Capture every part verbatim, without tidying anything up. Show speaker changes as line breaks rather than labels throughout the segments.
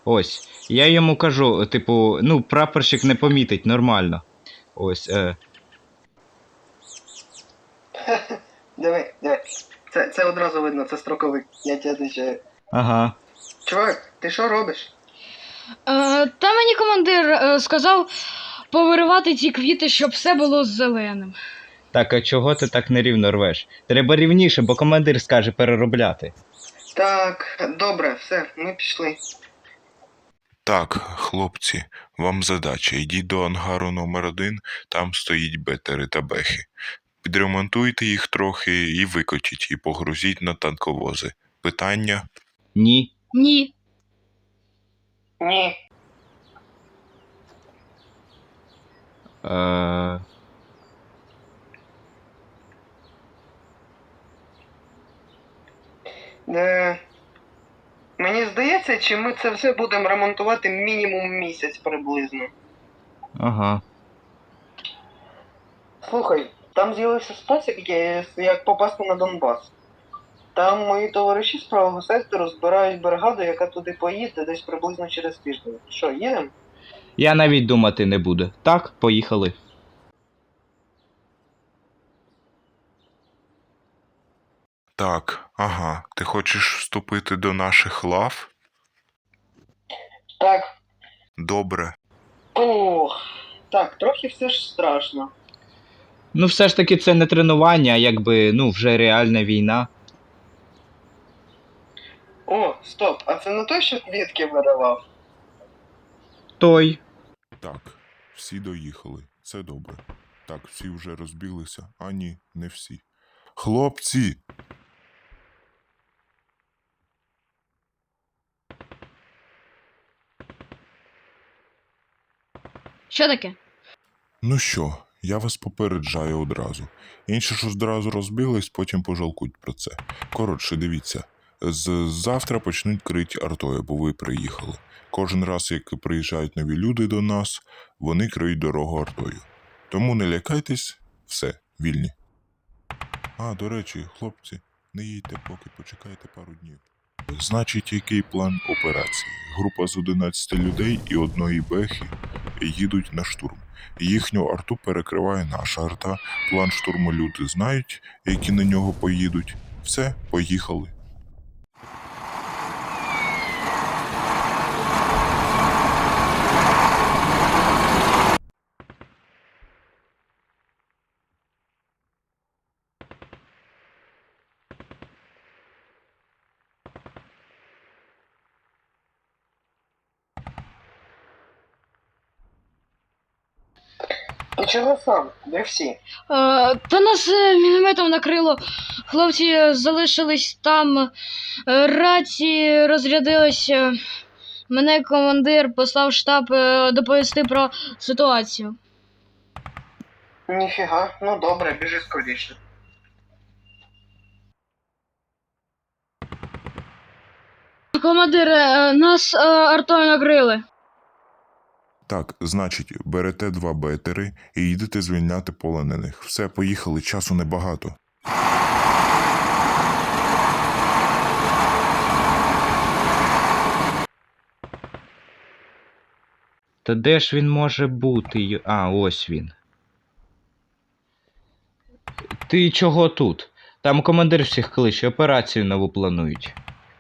Ось. Я йому кажу, типу, ну, прапорщик не помітить, нормально. Ось. Е.
Диви, диви. Це, це одразу видно, це строковик. Я тебе отвечаю.
Ага.
Чувак, ти що робиш?
Е, та мені командир е, сказав повиривати ці квіти, щоб все було зеленим.
Так, а чого ти так нерівно рвеш? Треба рівніше, бо командир скаже переробляти.
Так, добре, все, ми пішли.
Так, хлопці, вам задача. Йдіть до ангару номер один, там стоїть бетери та бехи. Підремонтуйте їх трохи і викотіть, і погрузіть на танковози. Питання?
Ні.
Ні.
Ні.
Е...
Е, мені здається, чи ми це все будемо ремонтувати мінімум місяць приблизно.
Ага.
Слухай, там з'явився спосіб, є- як попасти на Донбас. Там мої товариші з правого сектору збирають бригаду, яка туди поїде десь приблизно через тиждень. Що, їдемо?
Я навіть думати не буду. Так, поїхали.
Так, ага, ти хочеш вступити до наших лав?
Так.
Добре.
Ох, так, трохи все ж страшно.
Ну, все ж таки, це не тренування, а якби, ну, вже реальна війна.
О, стоп, а це не той, що квітки видавав?
Той.
Так, всі доїхали. Це добре. Так, всі вже розбіглися. А ні, не всі. Хлопці!
Що таке?
Ну що, я вас попереджаю одразу. Інші ж одразу розбіглись, потім пожалкують про це. Коротше, дивіться. З завтра почнуть крити артою, бо ви приїхали. Кожен раз, як приїжджають нові люди до нас, вони криють дорогу артою. Тому не лякайтесь, все, вільні. А, до речі, хлопці, не їдьте поки, почекайте пару днів. Значить, який план операції? Група з одинадцяти людей і одної бехи їдуть на штурм. Їхню арту перекриває наша арта. План штурму люди знають, які на нього поїдуть. Все, поїхали.
Ти чого сам? Де всі?
Е, та нас е, мінометом накрило. Хлопці залишились там. Е, рації розрядилися. Мене командир послав в штаб е, доповісти про ситуацію.
Ніфіга, ну добре, біжи скоріше.
Командир, е, нас е, артою накрили.
Так, значить, берете два бетери і їдете звільняти полонених. Все, поїхали, часу небагато.
Та де ж він може бути? й- А, ось він. Ти чого тут? Там командир всіх кличе, операцію нову планують.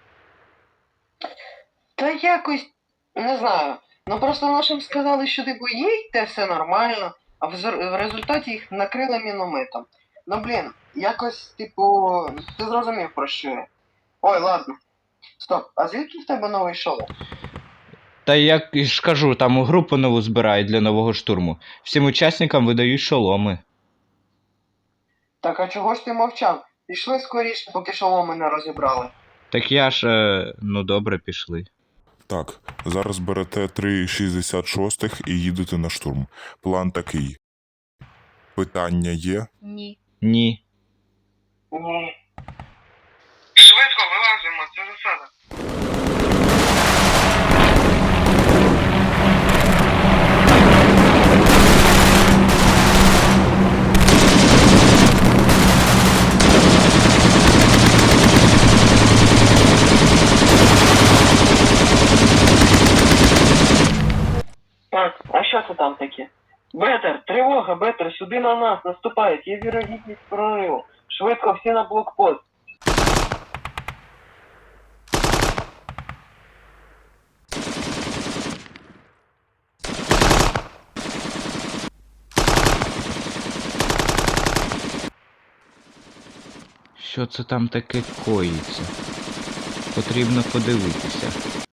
Та якось, не знаю. Ну просто нашим сказали, що типу їдьте, все нормально, а в, зр- в результаті їх накрили мінометом. Ну блін, якось, типу, ти зрозумів про що я. Ой, ладно. Стоп, а звідки в тебе новий шолом?
Та як ж кажу, там групу нову збирають для нового штурму. Всім учасникам видають шоломи.
Так а чого ж ти мовчав? Пішли скоріше, поки шоломи не розібрали.
Так я ж, е... ну добре, пішли.
Так, зараз берете три шістдесят шостих і їдете на штурм. План такий. Питання є?
Ні.
Ні.
Ні. Швидко вилазимо, це засада. що це там таке? Бетер, тривога, Бетер, сюди на нас наступають, є вірогідність прориву. Швидко всі на блокпост.
Що це там таке коїться? Потрібно подивитися.